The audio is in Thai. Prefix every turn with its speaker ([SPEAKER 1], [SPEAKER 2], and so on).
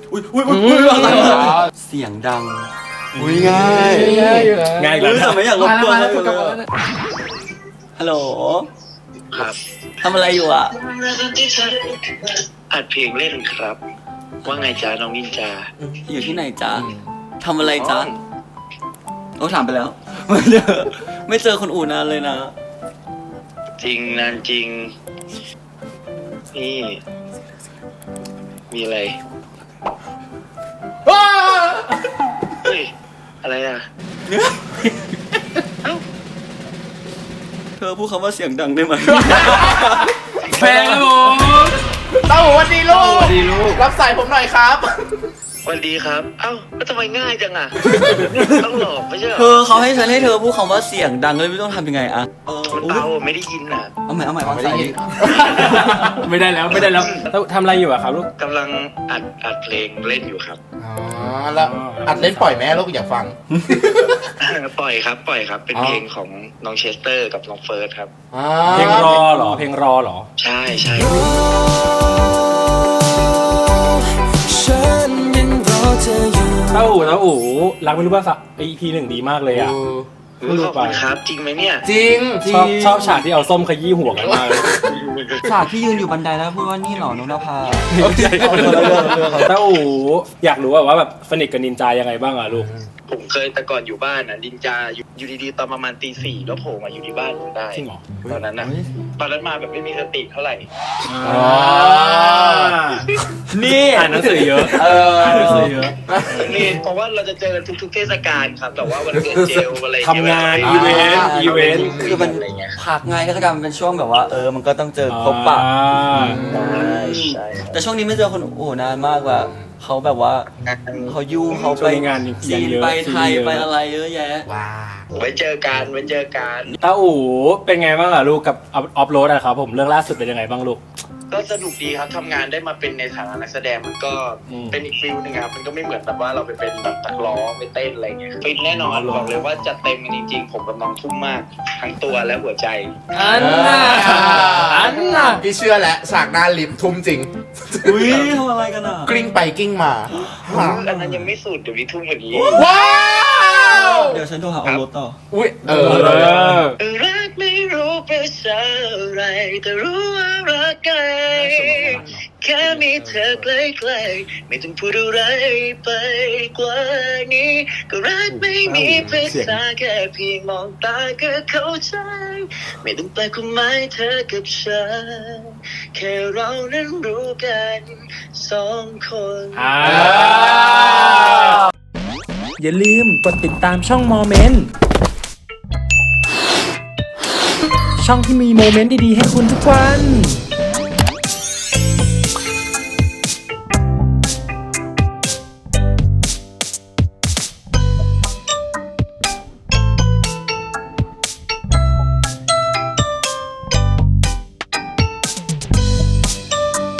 [SPEAKER 1] อะไรวะเสียงดังง่ายเลยแต่ไม่อยากรบกวนเลยฮัลโหล
[SPEAKER 2] ครับ
[SPEAKER 1] ทำอะไรอยู่อ่ะ
[SPEAKER 2] อัดเพลงเล่นครับว่าไงจ๊ะน้องนินจา
[SPEAKER 1] อยู่ที่ไหนจ๊ะทำอะไรจ๊ะโอ้ถามไปแล้วไม่เจอคนอู่นานเลยนะ
[SPEAKER 2] จริงนานจริงนี่มีอะไรเฮ้ยอะไรอ่ะ
[SPEAKER 1] เธอพูดคำว่าเสียงดังได้ไหม
[SPEAKER 3] แฟนผมเต้าหูวันดีลูกรับสายผมหน่อยครับ
[SPEAKER 2] สวัสดีครับเอ้าแล้วทำไมง่ายจังอ่ะต้องหลอกไม่ใช่เหรอ
[SPEAKER 1] เขาให้ฉันให้เธอพูดคำว่าเสียงดังเลยไม่ต้องทำยังไงอะ
[SPEAKER 2] มันเบาไม่ได้ยินอ่ะ
[SPEAKER 1] เอาใหม่วางสาย
[SPEAKER 3] ไม่ได้แล้วทำอะไรอยู่อะครับลูก
[SPEAKER 2] กำลังอัดเพลงเล่นอยู่ครับ
[SPEAKER 3] อ๋อแล้วอัดเล่นปล่อยแม่ลูกอยากฟัง
[SPEAKER 2] ปล่อยครับเป็นเพลงของน้องเชสเตอร์กับน้องเฟิร์สครับ
[SPEAKER 3] เพลงรอเหรอ
[SPEAKER 2] ใช่
[SPEAKER 3] เต้าหูรักไม่รู้ว่าEP 1ดีมากเลยอ่ะ
[SPEAKER 2] ขอบคุณครับจริงไหมเนี่ย
[SPEAKER 3] จริงชอบฉากที่เอาส้มขยี้หัวกันมากเลย
[SPEAKER 1] ฉากที่ยืนอยู่บันไดแล้วพูดว่านี่หรอนุนภา
[SPEAKER 3] เต้าหูอยากรู้ว่าแบบสนิทกับนินจายังไงบ้างอ่ะลูก
[SPEAKER 2] ผมเคยแต่ก่อนอยู่บ้านนะนินจาอยู่ดีๆตอนประมาณตี 4แล้วโผล่มาอยู่ที่บ้านผมได้
[SPEAKER 3] จริงเหรอ
[SPEAKER 2] ตอนนั้นมาแบบไม่มีสติเท่าไหร่
[SPEAKER 1] นี่
[SPEAKER 3] อ่านหนังสือเยอะ
[SPEAKER 2] นี่เพราะว่าเราจะเจอกันทุกเทศกาลครับแต่ว่าวันเกิดเจลอะไร
[SPEAKER 3] ทำงานอีเวนต์
[SPEAKER 1] คือมันพักไงเทศกาลมันเป็นช่วงแบบว่ามันก็ต้องเจอพบปะ
[SPEAKER 2] ใช่
[SPEAKER 1] แต่ช่วงนี้ไม่เจอคนนานมากว่าเขาแบบว่าเขายุ่งเขาไป
[SPEAKER 3] งาน
[SPEAKER 1] จีนไปไทยไปอะไรเยอะแยะ
[SPEAKER 2] ไว้เจอกัน
[SPEAKER 3] เต้าอู๋เป็นไงบ้างล่ะลูกกับออฟโรดอะครับผมเรื่องล่าสุดเป็นยังไงบ้างลูก
[SPEAKER 2] ก็สนุกดีครับทำงานได้มาเป็นในฐานะนักแสดงมันก็เป็นอีกฟิลนึงครับมันก็ไม่เหมือนแบบว่าเราไปเป็นแบบนักร้องไปเต้นอะไรเงี้ยฟินแน่นอนบอกเลยว่าจัดเต็มจริงๆผมกับน้องทุ่มมากทั้งตัวและหัวใจ
[SPEAKER 3] อันน่ะพี่เชื่อแล้วฉากหน้าลิฟทุ่มจริง
[SPEAKER 1] อุ้ยทำอะไรกันอ่ะ
[SPEAKER 3] กลิ้งไปกลิ้งมา
[SPEAKER 2] อันนั้นยังไม่สุดเดี๋ยวนี้ทุ่มกว่านี้
[SPEAKER 3] ว้าว
[SPEAKER 1] เดี๋ยวฉันโทรหาออรถต่อ
[SPEAKER 3] อุ้ย
[SPEAKER 2] รักไม่รู้เป็นอะไรแต่รู้ว่ารักกันแค่มีเธอใกล้ๆไม่ต้องพูดอะไรไปกว่านี้ก็รักไม่มีภาษาแค่เพียงมองตาก็เข้าใจไม่ต้องแปลความหมายเธอกับฉันแค่เรานั้นรู้กัน2 คน
[SPEAKER 4] อย่าลืมกดติดตามช่องโมเมนต์ช่องที่มีโมเมนต์ดีๆให้คุณทุกวัน